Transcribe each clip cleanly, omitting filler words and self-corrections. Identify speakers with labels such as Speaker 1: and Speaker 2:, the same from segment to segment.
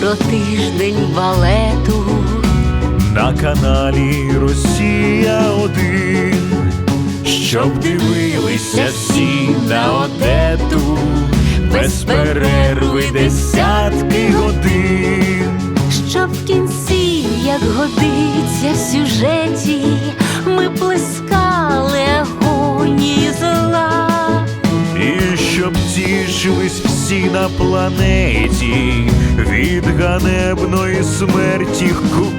Speaker 1: про тиждень балету
Speaker 2: на каналі Росія-1, щоб дивилися всі на Одету без перерви десятки годин.
Speaker 1: щоб в кінці, як годиться в сюжеті, ми плескали агонії зла.
Speaker 2: І щоб тішились всі на планеті від ганебної смерті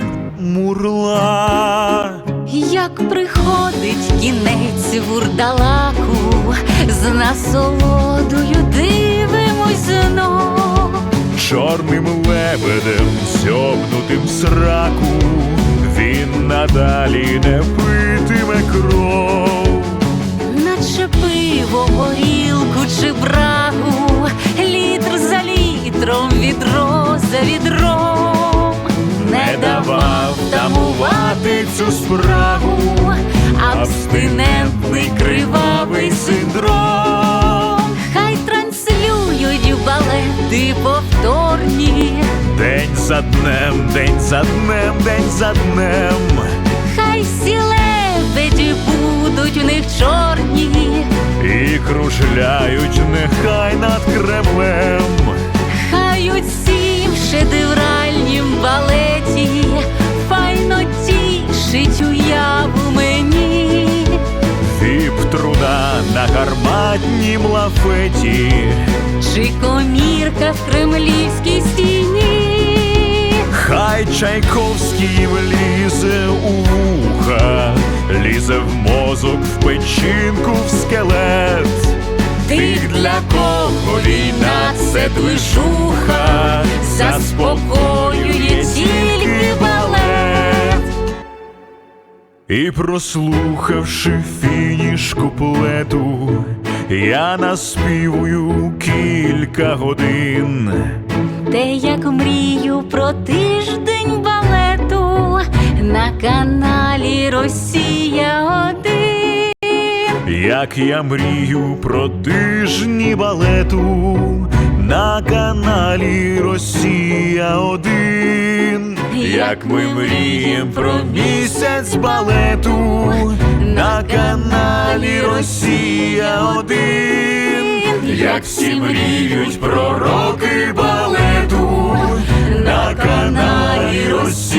Speaker 2: Мурла.
Speaker 1: Як приходить кінець вурдалаку, з насолодою дивимось знов.
Speaker 2: Чорним лебедем, сьобнутим сраку, він надалі не питиме кров.
Speaker 1: Наче пиво, горілку чи брагу, літр за літром, відро за відром,
Speaker 2: Не давав тамувати цю спрагу абстинентний кривавий синдром.
Speaker 1: хай транслюють балети повторні,
Speaker 2: День за днем, день за днем, день за днем.
Speaker 1: хай всі лебеді будуть у них чорні,
Speaker 2: І кружляють нехай над Кремлем.
Speaker 1: хай усім шедевральнім балеті файно тішить уяву мені.
Speaker 2: Віп-труна на гарматнім лафеті,
Speaker 1: Чи комірка в кремлівській стіні,
Speaker 2: хай Чайковський влізе у вуха, лізе в мозок, в печінку, в скелет. Тих, для кого війна — це движуха, заспокоює тільки балет. І прослухавши фініш куплету, я наспівую кілька годин.
Speaker 1: те, як мрію про тиждень балету на каналі Росія-1.
Speaker 2: Як я мрію про тижні балету на каналі Росія-1. Як ми мрієм про місяць балету на каналі Росія-1. Як всі мріють про роки балету на каналі Росія-1.